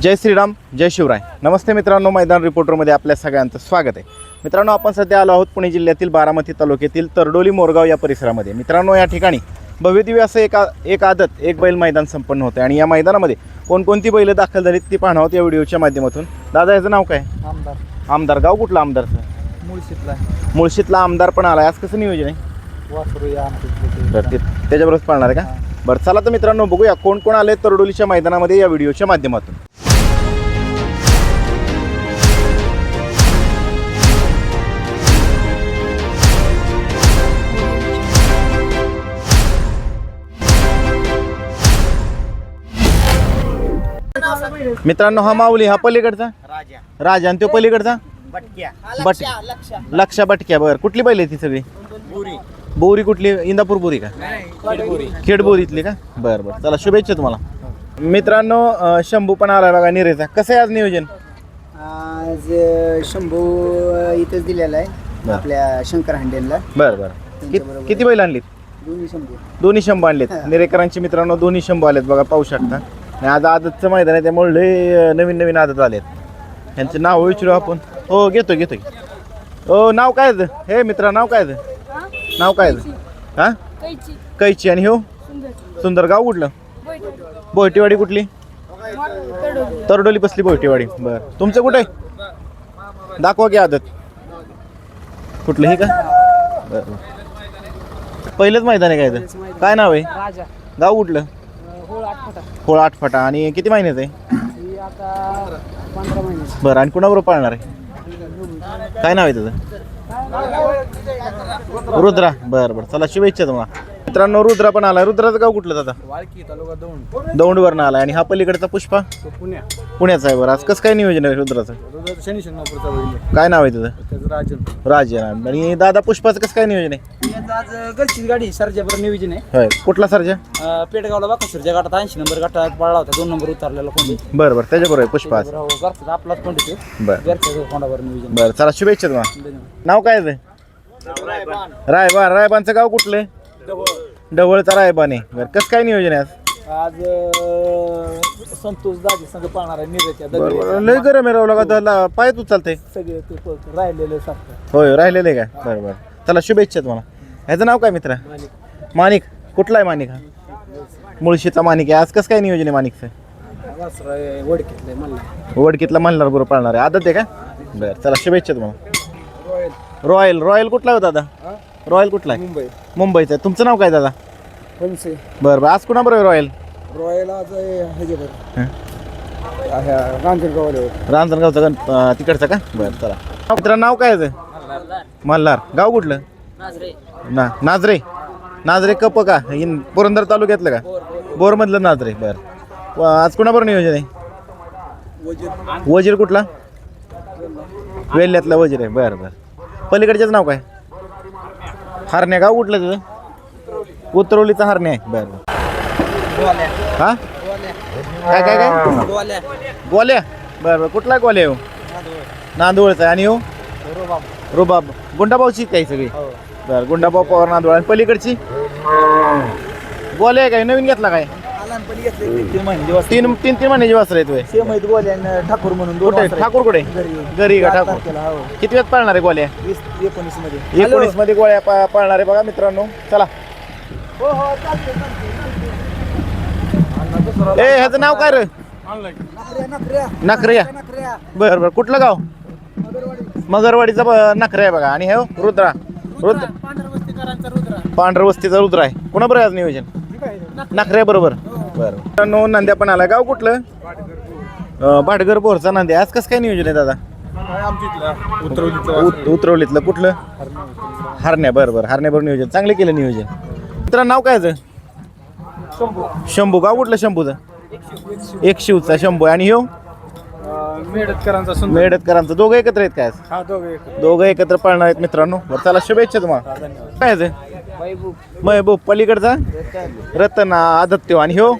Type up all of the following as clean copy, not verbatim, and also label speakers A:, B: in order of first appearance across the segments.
A: जय श्रीराम जय शिवराय. नमस्ते मित्रांनो, मैदान रिपोर्टरमध्ये आपल्या सगळ्यांचं स्वागत आहे. मित्रांनो, आपण सध्या आलो आहोत पुणे जिल्ह्यातील बारामती तालुक्यातील तरडोली मोरगाव या परिसरामध्ये. मित्रांनो, या ठिकाणी भव्यदिव्य असं एक आदत एक बैल मैदान संपन्न होतं आणि या मैदानामध्ये कोणकोणती बैल दाखल झालीत ती पाहणार आहोत या व्हिडिओच्या माध्यमातून. दादा, याचं नाव काय? आमदार. गाव कुठलं आमदारचं? मुळशीतला आमदार पण आला. आज कसं नियोजन आहे? त्याच्याबरोबर पाळणार आहे का? बरं, चला तर मित्रांनो बघूया कोण कोण आले तरडोलीच्या मैदानामध्ये या व्हिडिओच्या माध्यमातून. मित्रांनो, हा माऊली, हा पलीकडचा राजा आणि तो पलीकडचा लक्षा बटक्या. बरं, कुठली बैल आहे ती सगळी? बोरी. कुठली? इंदापूर बोरी का? खेडबोरीतली का? बरं बरं, चला शुभेच्छा तुम्हाला. मित्रांनो, शंभू पण आला बघा निरेचा. कसं आहे आज नियोजन?
B: आज शंभू इथंच दिलेला आहे आपल्या शंकर हांडेलला.
A: बरं बरं, किती बैल आणलीत? दोन्ही शंभू आणलेत निरेकरांची. मित्रांनो, दोन्ही शंभू आलेत बघा, पाहू शकता. आणि आज आदतचं मैदान आहे त्यामुळे लय नवीन आदत आलेत. यांचं नाव विचारू आपण. हो, घेतो. हो, नाव काय? हे मित्रा, नाव काय? नाव काय? हा, कैची. आणि हो सुंदर. गाव कुठलं? बोयटेवाडी. कुठली? तरडोली बसली बोयटेवाडी. बरं, तुमचं कुठे? दाखवा की आदत. कुठलं? हे का? बरं, पहिलंच मैदान आहे काय? काय नाव आहे? गाव कुठलं? होळ आठफाटा. आणि किती महिन्याचं आहे? बरं, आणि कुणाबरोबर पाळणार आहे? काय नाव आहे त्याचं? रुद्रा. बरं, चला शुभेच्छा तुम्हाला. मित्रांनो, रुद्रा पण आला. रुद्राचं गाव कुठलं दादा? दौंडवरनं आला. आणि हा पलीकडचा पुष्पा पुण्याचा आहे. बरं, आज कसं काय नियोजन आहे रुद्राचं? काय नाव आहे त्याचं? राजन. आणि दादा पुष्पाचं कसं काय नियोजन आहे?
B: आज गलचीच गाडी सर्जावर नियोजन आहे.
A: होय, कुठला सर्जा?
B: पेडगावला बघा, सर्जा गाठात 80 नंबर गाठात पळला होता. 2 नंबर उतरलेला कोंडी.
A: बरं, त्याच्याबरोबर आहे पुष्पा.
B: आपलाच कोंडी ते.
A: बरं
B: कोंडावर नियोजन.
A: बरं, चला शुभेच्छा तुम्हाला. नाव काय आहे? रायबान. गाव कुठलं? ढवळचा रायबान आहे. बरं, कसं काय नियोजन आहे आज?
B: संतोष दाजी संघ पाळणार आहे निरेच्या.
A: लय गरम आहे राव लागा, पाय तू चालतंय
B: सगळे राहिलेले
A: होय, राहिलेलं आहे का? बरं, चला शुभेच्छा तुम्हाला. ह्याचं नाव काय मित्रा? माणिक. कुठला आहे माणिक? हा, मुळशीचा माणिक आहे. आज कसं काय नियोजन आहे माणिकचं? वडकीतला मल्हार बरोबर पाळणार आहे. आदत आहे का? बरं, चला शुभेच्छा तुम्हाला. रॉयल कुठला होता दादा? रॉयल कुठला आहे? मुंबईचा. तुमचं नाव काय दादा? बरं, आज कुणाबरोबर रॉयल?
B: आज
A: रांजणगावचा तिकडचा का? बरं, चला. मित्रा, नाव काय आहे? मल्हार. गाव कुठलं? नाजरे कप का? पुरंदर तालुक्यातलं का? बोरमधलं नाजरे. बरं, आज कुणाबरोबर नियोजन आहे? वजीर. कुठला? वेल्ल्यातला वजीर आहे. बरं, पलीकडच्याच नाव काय? हरण्या. गाव कुठलं तुझं? उतरवलीचा हरण्या आहे. बरं. हा, काय? गोल्या. बरं, कुठला गोल्या? हो, नांदवळचा. आणि हो रुबाब. गुंडाभाऊची काही सगळी. बरं, गुंडाभाऊ पवार नांदवळ. आणि पलीकडची गोल्या काय नवीन घेतला काय? 3 महिन्याची वासर आहे.
B: ठाकूर म्हणून.
A: ठाकूर कुठे? घरी का ठाकूर? किती वेळात पाळणार आहे गोल्या? 19 मध्ये गोळ्या पाळणार आहे बघा मित्रांनो. चला. ह्याचं नाव काय रे? नखऱ्या. बरं, कुठलं गाव? मगरवाडीचा नखऱ्या आहे बघा. आणि हे रुद्रा. पांढरवस्तीचा रुद्र आहे. कोणाबरोबर आहे आज नियोजन? नखऱ्या बरोबर. बरं, मित्रांनो, नांद्या पण आला. गाव कुठलं? भाटगर बोरचा नांद्या. आज कसं काय नियोजन आहे दादा? उतरवलीतलं. कुठलं? हरण्या. बरं, हरण्याबरोबर नियोजन. चांगलं केलं नियोजन. मित्रांनो, नाव काय? शंभू. गाव कुठलं शंभूचं? एक शिवचा शंभू. आणि हो मेडतकरांचा. दोघं एकत्र आहेत काय? दोघं एकत्र पाळणार आहेत मित्रांनो. चला शुभेच्छा तुम्हाला. काय महबूब. पलीकडचा रतन आदत्य. आणि हो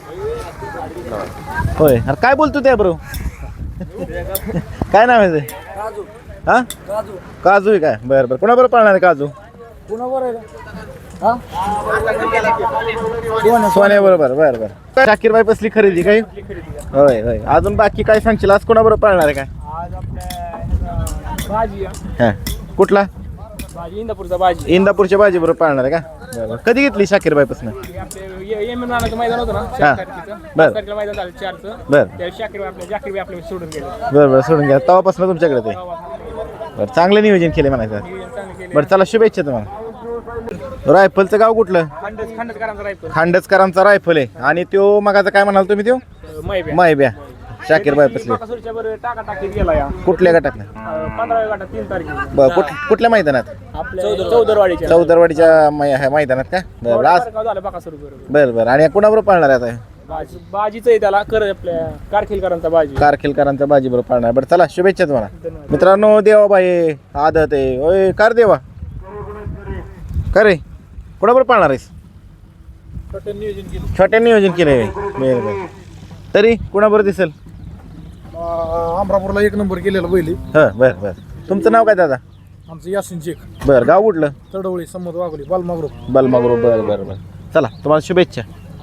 A: होय. अरे काय बोलतो त्या बरोबर? काय नाव आहे ते? हा, काजू आहे काय? बरं, कोणाबरोबर पाळणार आहे काजू? सोन्या बरोबर बरं बरं. शाकीर बाई बसली खरेदी काय होय होय. अजून बाकी काय सांगशील आज कोणाबरोबर पाळणार आहे काय?
B: आज आपल्या भाजी
A: हां कुठला?
B: भाजी इंदापूरचा भाजी
A: इंदापूरच्या बाजी बरोबर पाळणार आहे का? बरं. कधी घेतली शाकीर बाईपासून?
B: आपले एम राणाचं मैदान होतं ना
A: हां.
B: 4 तारखेचं
A: बरं.
B: 5 तारखेला मैदान झालं 4चं
A: बरं
B: त्या शाकीर आपल्या सोडून गेले.
A: बरं बरं सोडून घ्या तेव्हापासून तुमच्याकडे ते बरं. चांगलं नियोजन केलं म्हणायचं.
B: चांगलं केले.
A: बरं चला शुभेच्छा तुम्हाला. रायफलचं गाव कुठलं?
B: खंडचकरांचा रायफल
A: खांडचकरांचा रायफल आहे. आणि त्यो मगाचा काय म्हणाल तुम्ही त्यो?
B: मैब्या
A: मायब्या शाकीर बाई बसली.
B: बाकासूरच्या बरं टाकीत गेला या
A: कुठल्या गटातला?
B: 15व्या गटात 3 तारखेला
A: बरं कुठल्या मैदानात?
B: आपल्या चौदरवाडीच्या
A: चौदरवाडीच्या मैदानात का? बरं आज
B: झालं बाकासूर बरोबर
A: बरं बरं. आणि कुणाबरोबर पाळणार आहे आता?
B: बाजीचं आहे त्याला कर आपल्या कारखिलकरांचा बाजी
A: कारखिलकरांचा बाजी बरोबर पाळणार. बरं चला शुभेच्छा तुम्हाला मित्रांनो. देवाबाई आदत आहे ओय कार देवा का रे कोणाबरोबर पाळणार आहेस? छोट्या नियोजन केलंय. बरं बरं. तरी कोणाबरोबर दिसेल?
C: अमरापूरला 1 नंबर केलेला बैली.
A: हं बरं बरं. तुमचं नाव काय दादा?
C: आमचं यासिन शेख
A: बरं गाव कुठलं?
C: तडवळी संमत वाघोली बालमागरो.
A: बलमागुरू. बरं बरं बरं. चला तुम्हाला शुभेच्छा.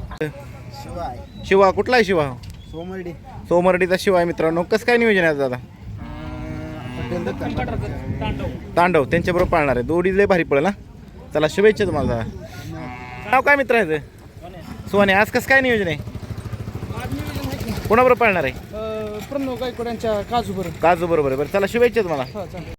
A: शिवा कुठला आहे शिवा?
C: सोमर्डी
A: सोमर्डीचा शिवा आहे मित्रांनो. कसं काय नियोजन आहे दादा? तांडव त्यांच्याबरोबर पाळणार आहे. दोडी लय भारी पडेल ना. चला शुभेच्छा तुम्हाला दादा. नाव काय मित्र आहे? सोने. आज कसं काय नियोजन आहे? कोणाबरोबर पाळणार आहे?
C: प्रणव गायकवाड यांच्या काजू बरोबर.
A: काजू बरोबर आहे. बरं चला शुभेच्छा तुम्हाला.